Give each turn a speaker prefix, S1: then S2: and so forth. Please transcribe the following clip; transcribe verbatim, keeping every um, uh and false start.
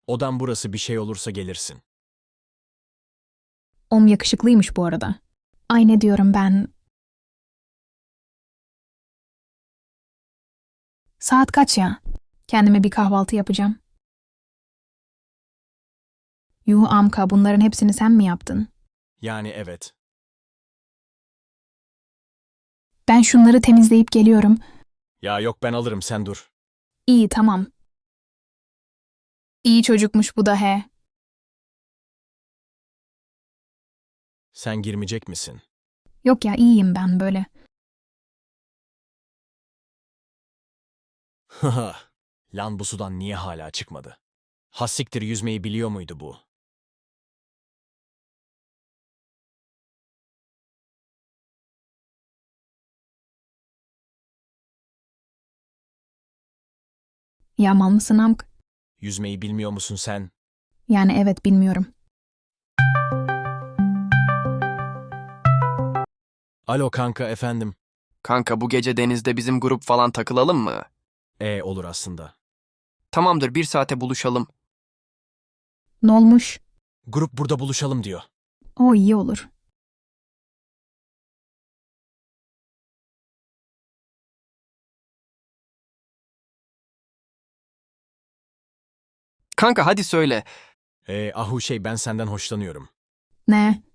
S1: Odan burası, bir şey olursa gelirsin.
S2: Om yakışıklıymış bu arada. Ay ne diyorum ben. Saat kaç ya? Kendime bir kahvaltı yapacağım. Yuh Amka, bunların hepsini sen mi yaptın?
S1: Yani evet.
S2: Ben şunları temizleyip geliyorum.
S1: Ya yok, ben alırım, sen dur.
S2: İyi, tamam. İyi çocukmuş bu da he.
S1: Sen girmeyecek misin?
S2: Yok ya, iyiyim ben böyle.
S1: Haha. Lan bu sudan niye hala çıkmadı? Hassiktir, yüzmeyi biliyor muydu bu?
S2: Ya mal mısın Amk?
S1: Yüzmeyi bilmiyor musun sen?
S2: Yani evet, bilmiyorum.
S1: Alo kanka, efendim.
S3: Kanka bu gece denizde bizim grup falan takılalım mı?
S1: E olur aslında.
S3: Tamamdır bir saate buluşalım.
S2: Ne olmuş?
S1: Grup burada buluşalım diyor.
S2: O iyi olur.
S3: Kanka hadi söyle.
S1: E ahu şey, ben senden hoşlanıyorum.
S2: Ne?